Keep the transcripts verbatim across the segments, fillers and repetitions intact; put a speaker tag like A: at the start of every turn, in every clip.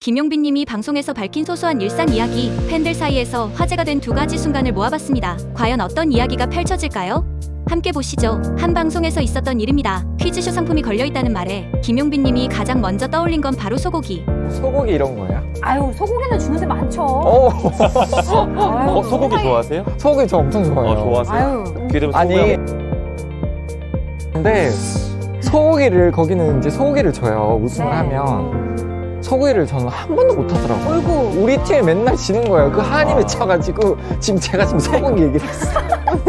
A: 김용빈 님이 방송에서 밝힌 소소한 일상 이야기, 팬들 사이에서 화제가 된 두 가지 순간을 모아봤습니다. 과연 어떤 이야기가 펼쳐질까요? 함께 보시죠. 한 방송에서 있었던 일입니다. 퀴즈쇼 상품이 걸려있다는 말에 김용빈 님이 가장 먼저 떠올린 건 바로 소고기.
B: 소고기 이런 거예요?
C: 아유, 소고기는 주는데 많죠.
B: 어,
C: 아유,
D: 어, 소고기
C: 세상에.
D: 좋아하세요?
B: 소고기 저 엄청 좋아해요.
D: 어, 좋아하세요?
C: 아유,
D: 기름
B: 아니,
D: 소고기.
B: 근데 소고기를 거기는 이제 소고기를 줘요. 우승을
C: 네.
B: 하면 소고기를 저는 한 번도 못 하더라고요.
C: 어이구.
B: 우리 팀이 맨날 지는 거예요. 그 한이 맺혀가지고 지금 제가 지금 소고기 얘기를 했어요.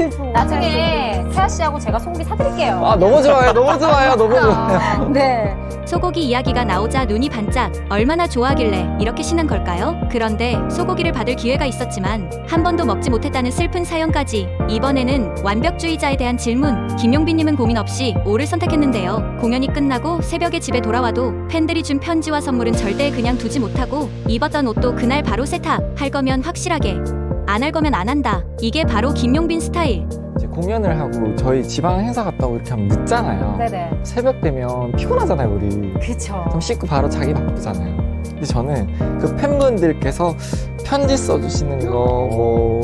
C: 나중에 태아 씨하고 제가 소고기 사드릴게요.
B: 아 너무 좋아요. 너무 좋아요. 너무 좋아요.
C: 네.
A: 소고기 이야기가 나오자 눈이 반짝. 얼마나 좋아하길래 이렇게 신난 걸까요? 그런데 소고기를 받을 기회가 있었지만 한 번도 먹지 못했다는 슬픈 사연까지. 이번에는 완벽주의자에 대한 질문. 김용빈님은 고민 없이 오를 선택했는데요. 공연이 끝나고 새벽에 집에 돌아와도 팬들이 준 편지와 선물은 절대 그냥 두지 못하고 입었던 옷도 그날 바로 세탁. 할 거면 확실하게, 안 할 거면 안 한다. 이게 바로 김용빈 스타일.
B: 이제 공연을 하고 저희 지방 행사 갔다고 이렇게 하면 늦잖아요.
C: 네네.
B: 새벽 되면 피곤하잖아요, 우리.
C: 그쵸.
B: 좀 씻고 바로 자기 바쁘잖아요. 근데 저는 그 팬분들께서 편지 써주시는 거, 뭐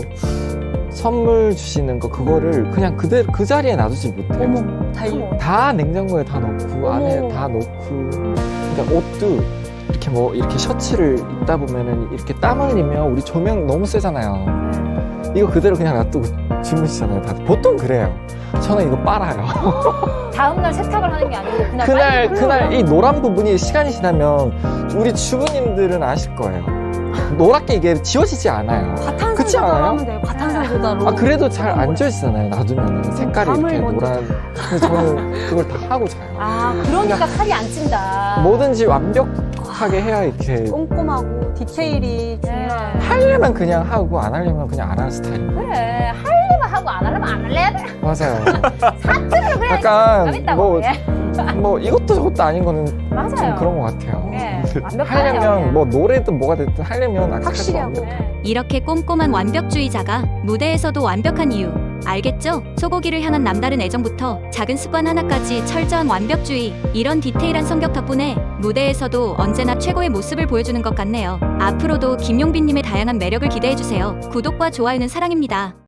B: 선물 주시는 거 그거를 그냥 그대로 그 자리에 놔두지 못해요.
C: 어머, 달리.
B: 다 냉장고에 다 넣고 안에
C: 어머.
B: 다 넣고. 그러니까 옷도 이렇게 뭐 이렇게 셔츠를 입다 보면은 이렇게 땀 흘리면 우리 조명 너무 세잖아요. 이거 그대로 그냥 놔두고 주무시잖아요. 다들 보통 그래요. 저는 이거 빨아요.
C: 다음날 세탁을 하는 게 아니고 그날
B: 그날
C: 빨리
B: 그날
C: 흘러요.
B: 이 노란 부분이 시간이 지나면 우리 주부님들은 아실 거예요. 노랗게 이게 지워지지 않아요. 그렇지
C: 과탄산소다로
B: 않아요?
C: 하면 돼요. 과탄산소다로.
B: 아 그래도 잘 안 지워지잖아요. 놔두면 색깔이
C: 밤을
B: 이렇게
C: 먼저
B: 노란. 근데 저는 그걸 다 하고 자요.
C: 아, 그러니까 칼이 안 찐다.
B: 뭐든지 완벽하게 해야 이렇게
E: 꼼꼼하고 디테일이 중요해요.
C: 네.
B: 하려면 그냥 하고 안 하려면 그냥 안 하는 스타일이에요.
C: 그래. 하려면 하고 안 하려면 안 할래야 돼.
B: 맞아요.
C: 사투를 그래.
B: 약간
C: 재밌다고.
B: 뭐,
C: 예.
B: 뭐 이것도 저것도 아닌 거는 좀
C: 맞아요.
B: 그런 것 같아요.
C: 네. 완벽하네요.
B: 하려면 뭐 노래든 뭐가 됐든 하려면 아까
E: 확실히
B: 완벽-
E: 하고.
C: 네.
A: 이렇게 꼼꼼한 완벽주의자가 무대에서도 완벽한 이유 알겠죠? 소고기를 향한 남다른 애정부터 작은 습관 하나까지 철저한 완벽주의. 이런 디테일한 성격 덕분에 무대에서도 언제나 최고의 모습을 보여주는 것 같네요. 앞으로도 김용빈님의 다양한 매력을 기대해주세요. 구독과 좋아요는 사랑입니다.